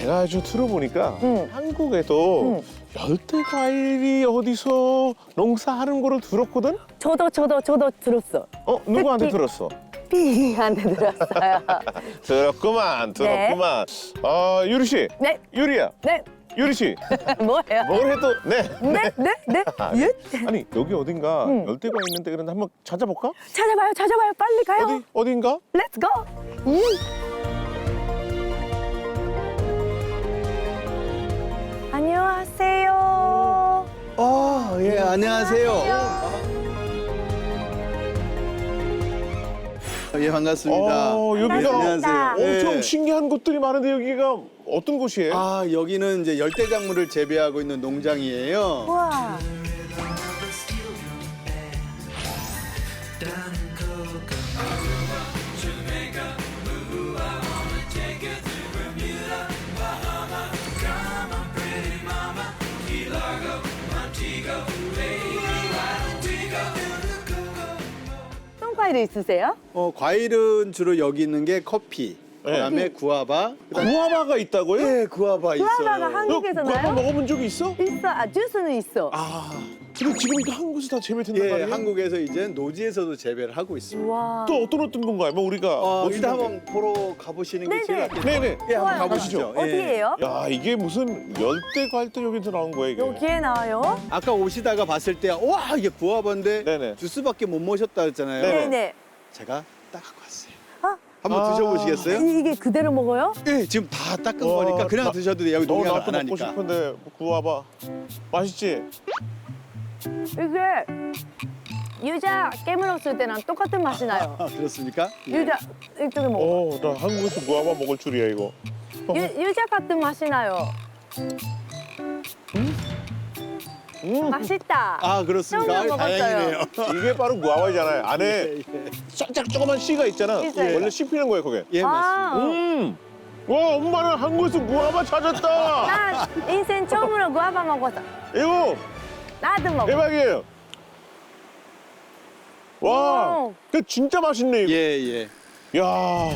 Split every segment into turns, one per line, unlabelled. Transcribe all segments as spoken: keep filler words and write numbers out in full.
제가 좀 들어보니까
응.
한국에도
응.
열대 과일이 어디서 농사하는 거를 들었거든?
저도 저도 저도 들었어.
어? 누구한테
특히-
들었어?
삐한테 들었어요.
들었구만, 들었구만. 아, 유리 씨.
네.
유리야.
네.
유리 씨.
뭐예요?
뭘 해도 네.
네, 네, 네.
아,
예?
아니, 여기 어딘가
응.
열대가 있는데 그런데 한번 찾아볼까?
찾아봐요, 찾아봐요. 빨리 가요.
어디? 어딘가?
Let's go. 음. 안녕하세요.
아, 예, 안녕하세요. 예, 반갑습니다.
어, 여기가
예, 안녕하세요.
엄청
예.
신기한 곳들이 많은데 여기가 어떤 곳이에요?
아, 여기는 이제 열대작물을 재배하고 있는 농장이에요.
우와. 어떤 과일이 있으세요?
어, 과일은 주로 여기 있는 게 커피,
네.
그다음에 구아바. 그다음에
구아바가 있다고요?
예, 구아바 있어요.
구아바가 한-
너
한국에서
구아바
나요?
먹어본 적이 있어?
있어. 아, 주스는 있어.
아, 근데 지금 이거 한국에서 다 재배된단
예,
말이에요?
한국에서 이제 노지에서도 재배를 하고 있습니다.
우와.
또 어떤 어떤 건가요? 뭐 우리가
어,
멋있는
일단
게.
한번 보러 가보시는 게 제일
네네.
낫겠죠.
네네.
예, 한번
좋아요.
가보시죠. 예.
어디예요?
야, 이게 무슨 열대 과일도 여기서 나온 거예요, 이게?
여기에 나와요?
아까 오시다가 봤을 때 와, 이게 구아바인데
네네.
주스밖에 못 모셨다 했잖아요.
네네.
네네.
제가 따갖고 왔어요.
아,
한번
아.
드셔보시겠어요?
아니, 이게 그대로 먹어요?
예, 지금 다 닦은
와,
거니까 그냥
나-
드셔도 돼요. 여기
너
농약을
나도
안
먹고
하니까.
싶은데 구아바 맛있지?
이게 유자 깨물었을 때랑 똑같은 맛이 나요.
아, 그렇습니까? 예.
유자 이쪽에 먹어.
어, 나 한국에서 구아바 먹을 줄이야 이거. 어,
유, 유자 같은 맛이 나요.
음,
맛있다.
아, 그렇습니까?
처음
아이, 다행이네요.
이게 바로 구아바잖아요. 안에
예, 예.
살짝 조그만 씨가 있잖아.
있어요.
원래 씹히는 거예요, 그게.
예, 맞습니다.
아,
음, 와, 엄마는 한국에서 구아바 찾았다.
나 인생 처음으로 구아바 먹었어.
이거
나도 먹어.
대박이에요. 와,
오.
그 진짜 맛있네 이거.
예, 예.
야,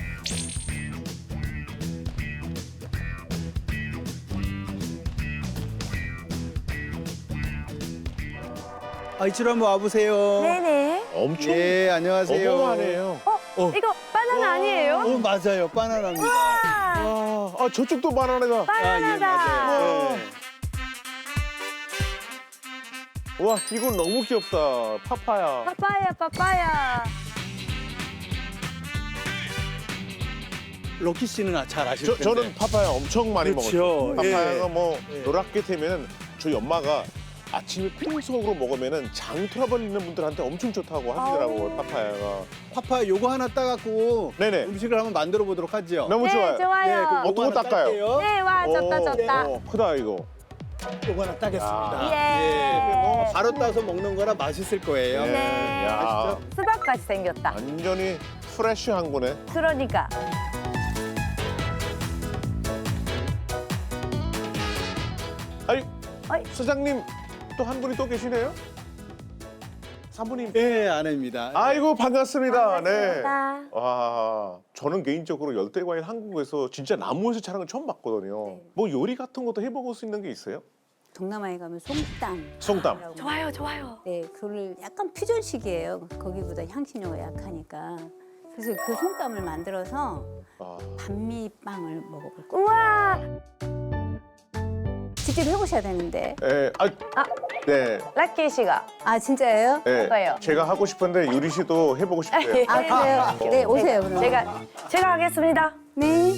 아, 이쪽으로 한번 와보세요.
네네.
엄청
예, 안녕하세요.
어마어마하네요.
어,
어.
이거 바나나 아니에요?
어, 맞아요. 바나나입니다.
아,
아, 아 저쪽도 바나나가.
아, 예,
바나나다.
맞아요. 예.
와, 이거 너무 귀엽다. 파파야.
파파야, 파파야.
로키 씨는 아- 잘 아실
저,
텐데.
저는 파파야 엄청 많이
그렇죠.
먹었어요. 파파야가
예.
뭐
예.
노랗게 되면은 저희 엄마가 아침에 핑속으로 먹으면은 장 트러블 있는 분들한테 엄청 좋다고 하시더라고요.
아우.
파파야가.
파파 요거 하나 따갖고
네네.
음식을 한번 만들어 보도록 하죠.
너무
네,
좋아요.
좋아요.
예, 그럼 요거
어떤 거
하나
닦아요?
딸게요.
네, 와, 좋다,
오,
좋다.
오, 크다 이거.
요거 하나 따겠습니다.
예.
뭐 바로 따서 먹는 거라 맛있을 거예요.
예.
네.
야,
수박같이 생겼다.
완전히 프레쉬한 거네.
그러니까.
아니,
어이.
사장님 또 한 분이 또 계시네요? 사모님.
예, 아내입니다.
아이고 반갑습니다. 네.
반갑습니다.
와, 저는 개인적으로 열대과일 한국에서 진짜 나무에서 자란 건 처음 봤거든요.
네.
뭐 요리 같은 것도 해먹을 수 있는 게 있어요?
동남아에 가면 솜땀.
송담.
좋아요, 좋아요.
네, 그거를 약간 퓨전식이에요. 거기보다 향신료가 약하니까. 그래서 그 솜땀을 만들어서
아,
반미빵을 먹어볼 거예요.
우와,
직접 해보셔야 되는데.
예, 아,
아.
네,
라키 씨가.
아, 진짜예요?
예.
해봐요.
제가 하고 싶은데 유리 씨도 해보고 싶대요.
아, 그래요? 네, 오세요, 그럼.
제가, 제가 하겠습니다.
네.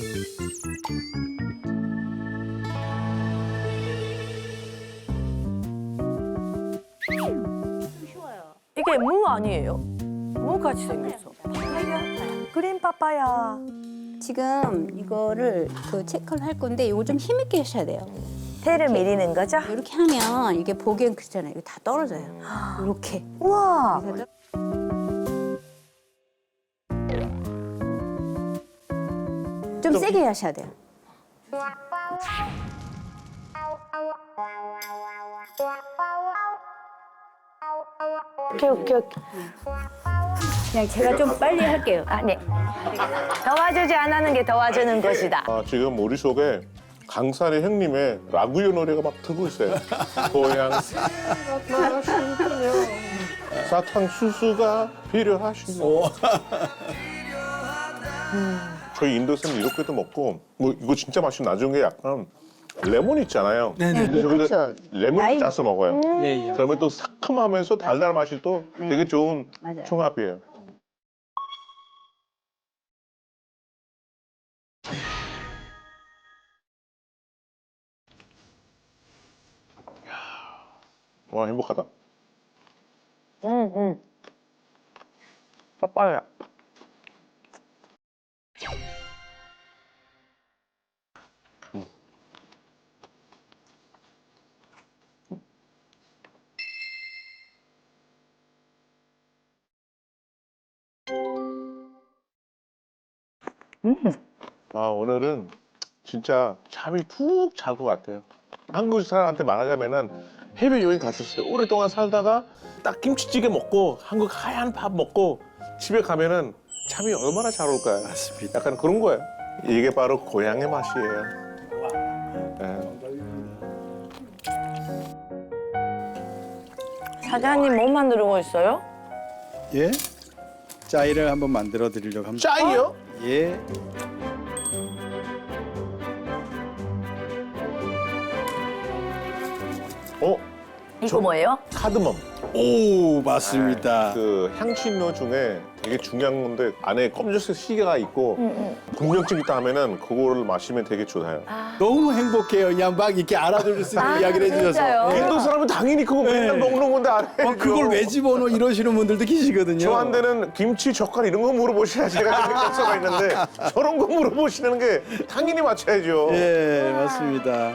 이게 무 아니에요? 무 같이 생겼어. 파파야. 그린 파파야.
지금 이거를 그 체크를 할 건데 이거 좀 힘있게 하셔야 돼요.
테를 미리는 거죠?
이렇게 하면 이게 보기엔 그렇잖아요. 이거 다 떨어져요. 이렇게.
우와.
좀 세게 하셔야 돼요.
오케이, 오케이, 오케이.
그냥 제가 좀 빨리 할게요.
아, 네. 도와주지 않는 게 도와주는 것이다.
아, 지금 머릿속에 강산의 형님의 라구요 노래가 막 틀고 있어요. 고향새가 나시군요. 사탕수수가 필요하시면. 음, 저희 인도 사람 이렇게도 먹고 뭐 이거 진짜 맛있는 나중에 게 약간 레몬 있잖아요.
네네.
근데 저기다
그렇죠.
레몬
라임.
짜서 먹어요.
예, 예.
그러면 또 상큼하면서 달달한 맛이 또
네.
되게 좋은
맞아요.
총합이에요. 와 행복하다.
응, 응. 빠빠야.
아 오늘은 진짜 잠이 푹 잘 것 같아요. 한국 사람한테 말하자면은 해외 여행 갔었어요. 오랫동안 살다가 딱 김치찌개 먹고 한국 하얀 밥 먹고 집에 가면은 잠이 얼마나 잘 올까요?
맞습니다.
약간 그런 거예요. 이게 바로 고향의 맛이에요. 네.
사장님 뭐 만들고 있어요?
예? 짜이를 한번 만들어 드리려고 합니다.
짜이요?
예.
어?
이거
저-
뭐예요?
카드멈.
오, 맞습니다.
그 향신료 중에 되게 중요한 건데 안에 검정색 시계가 있고 분명증 있다 하면은 그거를 마시면 되게 좋아요.
너무 행복해요. 그냥 막 이렇게 알아들을 수 있는
아,
이야기를 해주셔서.
진짜요?
예.
인도 사람은 당연히 그거 맨날
네.
먹는 건데 안 해요.
어, 그걸 왜 집어넣어 이러시는 분들도 계시거든요.
저한테는 김치, 젓갈 이런 거 물어보셔야 제가 격서가 있는데 저런 거 물어보시는 게 당연히 맞춰야죠.
예, 맞습니다.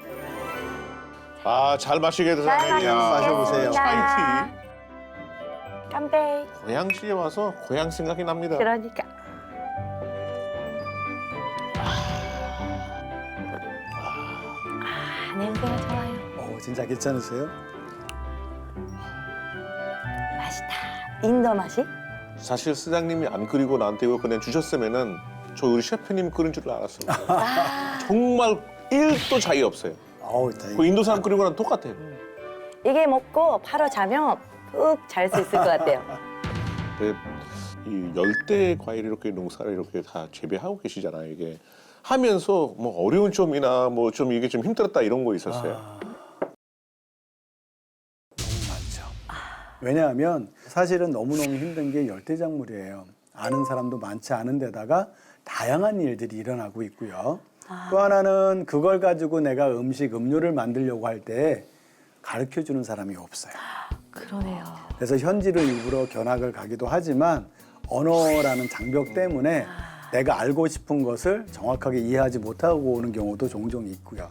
아, 잘 마시게 돼서
잘
마셔보세요.
차이티.
깜배.
고향시에 와서 고향 생각이 납니다.
그러니까. 아, 냄새가 좋아요.
오, 진짜 괜찮으세요?
맛있다. 인도 맛이?
사실 사장님이 안 끓이고 나한테 이거 그냥 주셨으면은 저 우리 셰프님 끓인 줄 알았어요.
아,
정말 일도 차이 없어요.
어우, 다행이다.
그 인도 사람 끓이고 나랑 똑같아요.
이게 먹고 바로 자면 푹 잘 수 있을 것 같아요.
근데 이 열대 과일 이렇게 농사를 이렇게 다 재배하고 계시잖아요. 이게 하면서 뭐 어려운 점이나 뭐 좀 이게 좀 힘들었다 이런 거 있었어요.
아, 너무 많죠. 왜냐하면 사실은 너무너무 힘든 게 열대작물이에요. 아는 사람도 많지 않은 데다가 다양한 일들이 일어나고 있고요. 또 하나는 그걸 가지고 내가 음식, 음료를 만들려고 할 때 가르쳐주는 사람이 없어요.
그러네요.
그래서 현지를 일부러 견학을 가기도 하지만 언어라는 장벽 때문에 내가 알고 싶은 것을 정확하게 이해하지 못하고 오는 경우도 종종 있고요.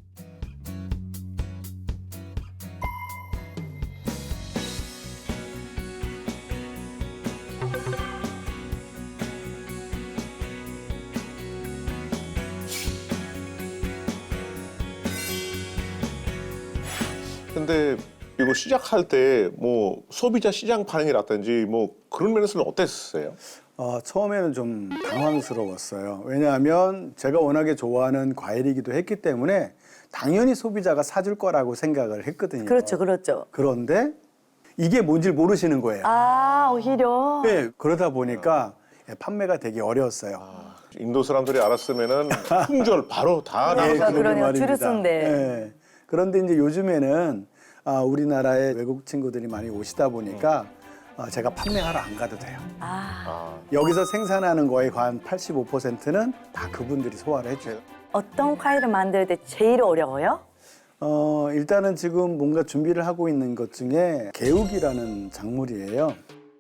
근데 이거 시작할 때 뭐 소비자 시장 반응이라든지 뭐 그런 면에서는 어땠어요?
어, 처음에는 좀 당황스러웠어요. 왜냐하면 제가 워낙에 좋아하는 과일이기도 했기 때문에 당연히 소비자가 사줄 거라고 생각을 했거든요.
그렇죠, 그렇죠.
그런데 이게 뭔지 모르시는 거예요.
아, 오히려.
네, 그러다 보니까 판매가 되게 어려웠어요.
인도 사람들이 알았으면은 품절 바로 다
예,
그러니까
나왔을
그러는
그러네요.
말입니다.
줄을 쓴데.
예. 그런데 이제 요즘에는 아, 우리나라에 외국 친구들이 많이 오시다 보니까 아, 제가 판매하러 안 가도 돼요.
아,
아,
여기서 생산하는 거의 한 팔십오 퍼센트는 다 그분들이 소화를 해줘요.
어떤 과일을 만들 때 제일 어려워요?
어, 일단은 지금 뭔가 준비를 하고 있는 것 중에 개욱이라는 작물이에요.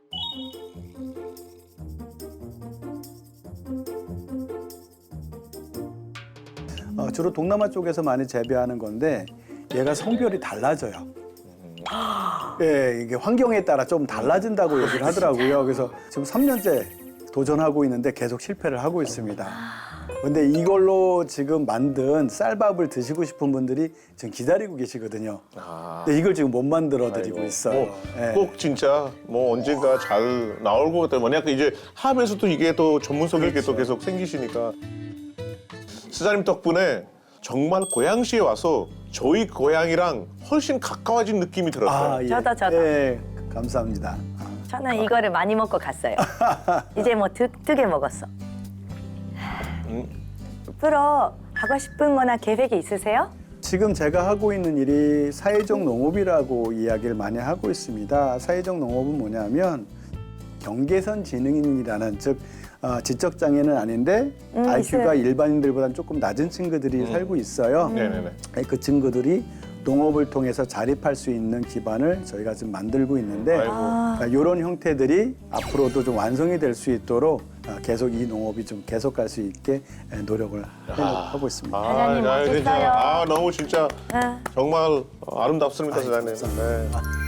어, 주로 동남아 쪽에서 많이 재배하는 건데 얘가 성별이 달라져요. 예, 이게 환경에 따라 좀 달라진다고 얘기를 하더라고요. 그래서 지금 삼 년째 도전하고 있는데 계속 실패를 하고 있습니다. 근데 이걸로 지금 만든 쌀밥을 드시고 싶은 분들이 지금 기다리고 계시거든요.
아.
근데 이걸 지금 못 만들어 드리고
아이고.
있어요.
뭐,
예.
꼭 진짜 뭐 언젠가 잘 나올 것 같아요. 만약 이제 하면서 또 이게 또 전문성이 이게 또 계속 생기시니까. 스자님 덕분에 정말 고양시에 와서 저희 고향이랑 훨씬 가까워진 느낌이 들었어요.
아, 예.
저도, 저도.
예, 감사합니다. 아.
저는 이거를 많이 먹고 갔어요. 이제 뭐 득득해 먹었어.
음.
앞으로 하고 싶은 거나 계획이 있으세요?
지금 제가 하고 있는 일이 사회적 농업이라고 이야기를 많이 하고 있습니다. 사회적 농업은 뭐냐면 경계선 지능인이라는 즉 어, 지적 장애는 아닌데
음,
아이큐가
있어요.
일반인들보다는 조금 낮은 친구들이
음.
살고 있어요.
네네네.
그 친구들이 농업을 통해서 자립할 수 있는 기반을 저희가 지금 만들고 있는데
아이고.
아,
이런 형태들이 앞으로도 좀 완성이 될 수 있도록 어, 계속 이 농업이 좀 계속 갈 수 있게 에, 노력을 하고 있습니다.
사장님
아, 진짜,
멋있어요.
아, 너무 진짜
아.
정말 아름답습니다, 사장님.
감사합니다.
네.